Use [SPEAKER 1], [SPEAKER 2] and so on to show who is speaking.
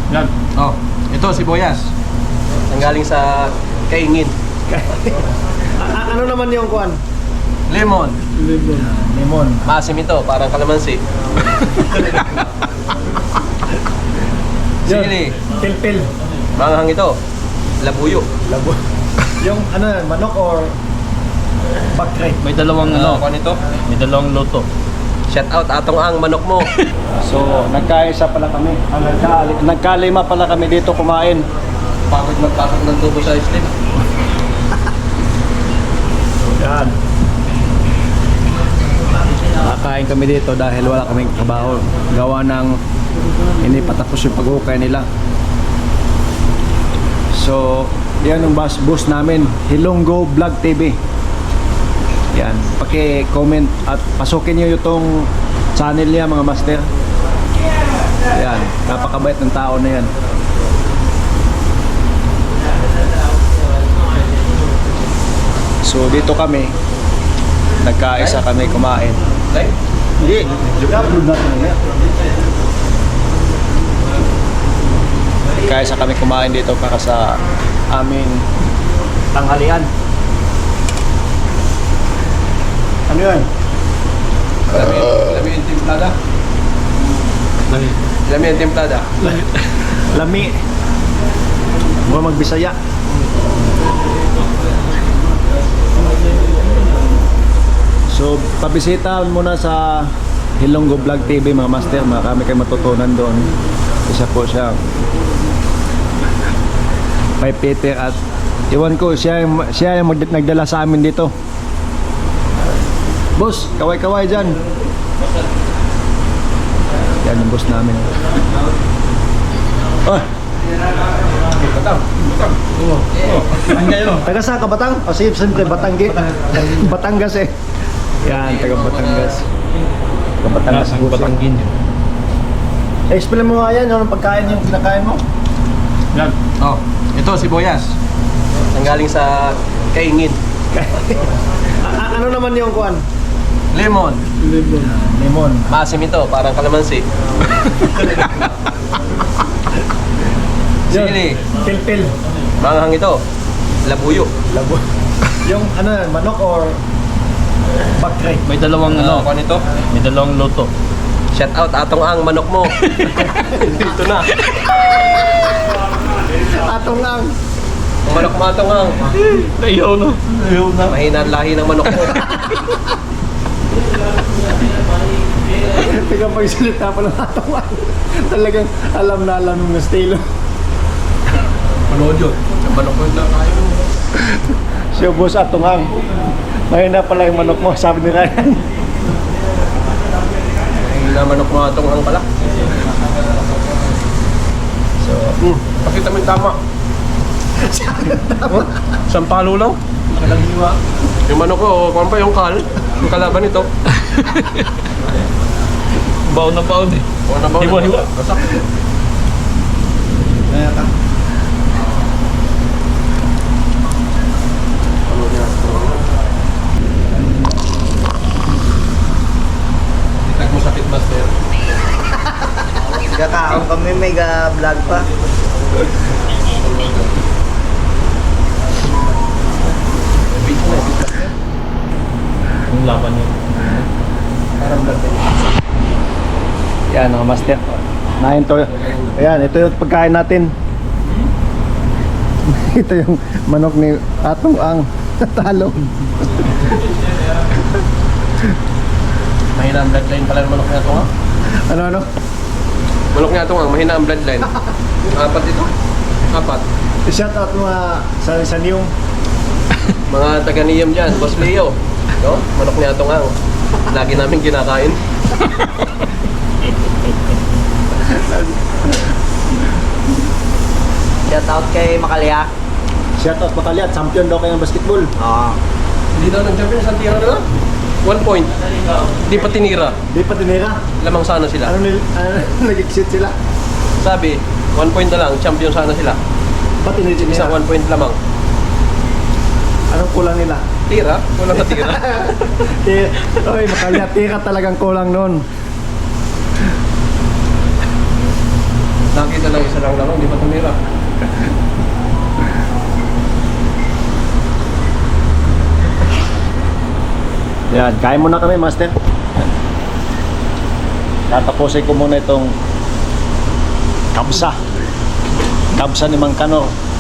[SPEAKER 1] Yan.
[SPEAKER 2] Oh, ito sibuyas. Nanggaling sa kaingin.
[SPEAKER 1] Ano naman yung kuan?
[SPEAKER 2] Lemon.
[SPEAKER 1] Lemon.
[SPEAKER 2] Maasim ito, parang kalamansi. Sili.
[SPEAKER 1] Pilpil.
[SPEAKER 2] Manghang ito. Labuyo.
[SPEAKER 1] Labo. Yung ano, manok or bakre?
[SPEAKER 3] May dalawang
[SPEAKER 2] Ano ito?
[SPEAKER 3] may dalawang loto.
[SPEAKER 2] Shout out atong ang manok mo.
[SPEAKER 1] So, nagkaisa pala kami. Nagkalima pala kami dito kumain.
[SPEAKER 2] Pagod magpasok ng tubo sa islim.
[SPEAKER 1] Yan. Nakain kami dito dahil wala kaming trabaho. Gawa ng hindi patapos yung pag-ukay nila. So, yan ang boss namin, Hilonggo Vlog TV. Yan, paki-comment at pasukin niyo itong channel niya mga master. Yan, napakabait ng tao na yan. So dito kami, nagkaisa kami kumain.
[SPEAKER 2] Right?
[SPEAKER 1] Hindi, upload natin na. Nagkaisa kami kumain dito para sa aming tanghalian. Ano yun?
[SPEAKER 2] Alam mo yung timplada? Alam mo yung timplada?
[SPEAKER 1] Lami. Mga magbisaya. So, pabisita muna sa Hilonggo Vlog TV mga master. Marami kayong matutunan doon. Isa po siya may Peter at iwan ko siya yung nagdala sa amin dito. Boss, kaway-kaway dyan. Yan yung boss namin. Oh. Taga saan ka, Batang? O sige, siyempre Batanggi. Batangas eh. Yan, taga Batangas. Taga Batangas.
[SPEAKER 3] Batanggin.
[SPEAKER 1] Explain mo nga yan, yung pagkain yung kinakain mo.
[SPEAKER 3] Yan.
[SPEAKER 2] Oh, ito sibuyas. Nanggaling sa kaingin.
[SPEAKER 1] Ano naman yung kuan?
[SPEAKER 2] Lemon.
[SPEAKER 1] Lemon.
[SPEAKER 2] Maasim ito, parang kalamansi. Sili.
[SPEAKER 1] Pilpil.
[SPEAKER 2] Manghang ito. Labuyo.
[SPEAKER 1] Labo. Yung ano, manok or bakre?
[SPEAKER 3] May dalawang
[SPEAKER 2] Ano ito?
[SPEAKER 3] may dalawang loto.
[SPEAKER 2] Shout out atong ang manok mo. Ito na.
[SPEAKER 1] Atong ang.
[SPEAKER 2] Ang manok mo atong ang.
[SPEAKER 3] Ayaw na.
[SPEAKER 2] Mahina ang lahi ng manok mo.
[SPEAKER 1] Tigang pagsalita pa ng atong ang. Talagang alam na alam ng estilo.
[SPEAKER 2] Manood yun. Ang manok mo na kayo.
[SPEAKER 1] Siya boss atong ang. Mahina pala yung manok mo, sabi ni Ryan.
[SPEAKER 2] Mahina manok mo atong ang pala. So, pakita mo yung tama. Sampalo lang.
[SPEAKER 1] Nakalangiwa.
[SPEAKER 2] Yung manok ko, kung pa yung kal, yung kalaban nito.
[SPEAKER 3] Baon na baon eh.
[SPEAKER 2] Kung na ba?
[SPEAKER 3] Hiwa-hiwa.
[SPEAKER 2] Basak.
[SPEAKER 1] Kaya ka.
[SPEAKER 2] Itag mo sakit, master.
[SPEAKER 4] Kakaon kami, may vlog pa.
[SPEAKER 3] Yung laban niya.
[SPEAKER 1] Yan mga master. Nahin to. Ayan, ito yung pagkain natin. Ito yung manok ni Atong ang talo.
[SPEAKER 2] Mahina ang bloodline pala ng manok niya ito, ha?
[SPEAKER 1] Ano?
[SPEAKER 2] Manok niya ito, ha? Mahina ang bloodline. Apat ito? Apat.
[SPEAKER 1] I-shout out mga sa niyong.
[SPEAKER 2] Mga taga-niyam dyan, Boss Leo. No? Manok niya ito, ha? Lagi namin kinakain.
[SPEAKER 4] Shout out kay Makalya.
[SPEAKER 1] Shout out Makali at champion daw kayo ng basketball.
[SPEAKER 4] Oo.
[SPEAKER 2] Hindi daw nag-champion sa tira nila. 1 point. Di pa tinira.
[SPEAKER 1] Di pa tinira.
[SPEAKER 2] Lamang sana sila.
[SPEAKER 1] Nag-exit sila?
[SPEAKER 2] Sabi, 1 point na lang, champion sana sila.
[SPEAKER 1] Ba't tinira?
[SPEAKER 2] Isang 1 point lamang.
[SPEAKER 1] Anong kulang nila?
[SPEAKER 2] Tira? Walang natira.
[SPEAKER 1] Oy, Makali, tira talagang kulang nun.
[SPEAKER 2] Nakita lang isa lang lang, di ba tumira?
[SPEAKER 1] Yan, kain muna kami, Master. Tatapusin ko muna itong kabsa. Kabsa ni Mang Kanor.